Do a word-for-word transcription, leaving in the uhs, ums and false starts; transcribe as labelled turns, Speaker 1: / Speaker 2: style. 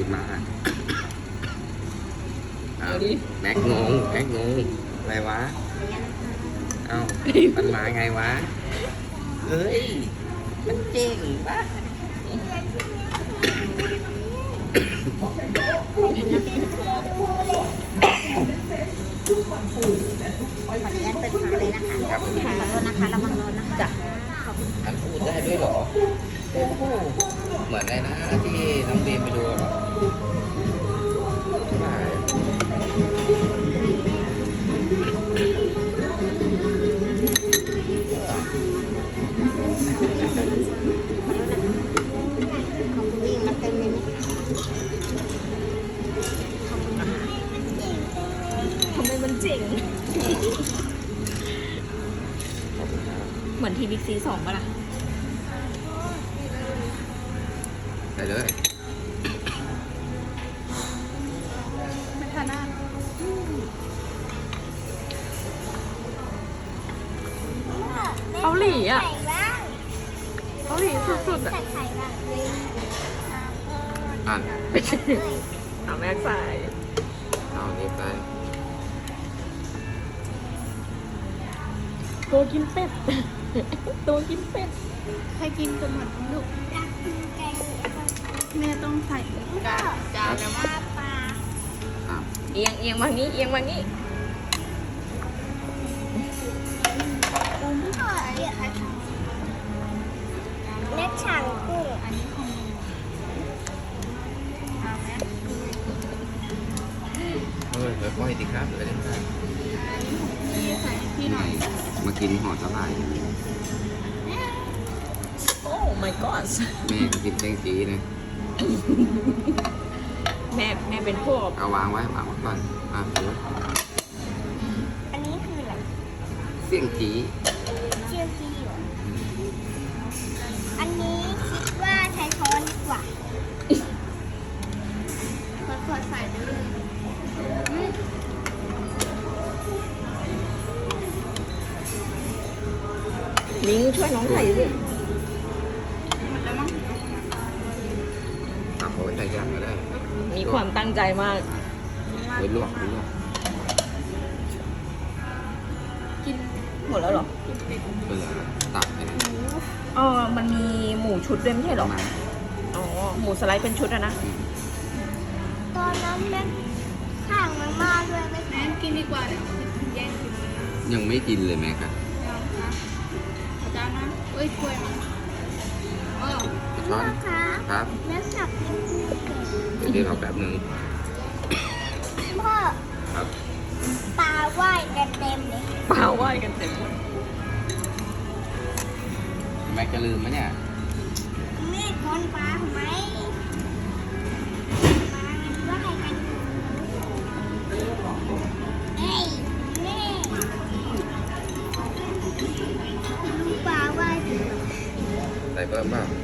Speaker 1: ขึ้นมาเอาดิแม็กงงแม็กงงอะไรวะเอ้ามันมาไงวะเฮ้ยมันเจ๋งปะ
Speaker 2: ขออนุญาตเปิดฝาเลยนะคะขอโทษนะคะระวังร้อนนะคะจ้ะขอบคุณ
Speaker 1: อันพูดได้ด้วยเหรอโอ้โหเหมือนในนะที่น้องเบมไปดูอะ
Speaker 2: ของคุณวิ่งมาเต็มเลยไหมทำไมมันเจ๋งเหมือนทีบิ๊กซีสองป่ะล่ะ
Speaker 1: ได้เลย
Speaker 2: ไม่ทานน้ำเกาหลีอ่ะเกาหลีสุดๆอ่ะ
Speaker 1: อ่าน
Speaker 2: เอาแม็กใส่
Speaker 1: เอานี้ไป
Speaker 2: ตัวกินเป็ด ตัวกินเป็ดใครกินกันหมดลูกแม่ต้องใส่กาจานแล้วมั้ง
Speaker 1: อ่ะ
Speaker 2: เอียงเอียงมางี้เอียงมางี้เล็กช่างกุ้งอันนี้ของเอาไหม
Speaker 1: เฮ้ยเดี๋ยวค่อยดีครับเดี๋ยวเล่นกัน
Speaker 2: นี่ใส่พี่หน่อย
Speaker 1: มากินห่อสลาย
Speaker 2: โอ้ my god
Speaker 1: แม่ก็กินแตงจีนะ
Speaker 2: แม่แม่เป็นพวก
Speaker 1: เอาวางไว้วางไว้ก่อนอ่ะดู
Speaker 3: อันนี้คืออะไร
Speaker 1: เสี่ยงจี
Speaker 3: เชี่ยวจี้เหรออันนี้คิดว่าใช้ช้อนดีกว่าขอๆใส่ไปเลยอืม
Speaker 2: มิ้งช่วยน้องไข่สิ
Speaker 1: ตักเอาไว้ใส่ย่างก็ได้
Speaker 2: มีความตั้งใจมาก
Speaker 1: ไว้ลวกไว้ลวก
Speaker 2: กินหมดแล้วเหรอ
Speaker 1: เบื่อตักไปนะ
Speaker 2: อ๋อมันมีหมูชุดด้วยไม่ใช่เหรอ
Speaker 1: มา
Speaker 2: อ๋อหมูสไลด์เป็นชุดอะนะ
Speaker 1: อืม
Speaker 3: ตอนนั้นแม่ข้างมันมาด้วยไหม
Speaker 4: แม่กินดีกว่าเดี๋ยวแย่งกินเลย
Speaker 1: ยังไม่กินเลยแม่ครับ
Speaker 4: เอานะเอาจานนะเอ้ยถ้วยมาเออ
Speaker 1: ช้อน
Speaker 3: คะ
Speaker 1: ครับ
Speaker 3: แม่สับให้พี่เก่ง
Speaker 1: เดี๋ยวเอาแบบนึง
Speaker 3: พ่อ
Speaker 1: ครับ
Speaker 3: ปลาว่ายกันเต็มเลย
Speaker 2: เปล่าไหวกันเต็มหมด
Speaker 1: แม่จะลืมไหมเนี่ย
Speaker 3: แม่คนปลาทำไมปลามันว่ายกันอยู่เอ้ยแม่ดูปลาว่ายอยู่
Speaker 1: ใส่เพิ่มเปล่า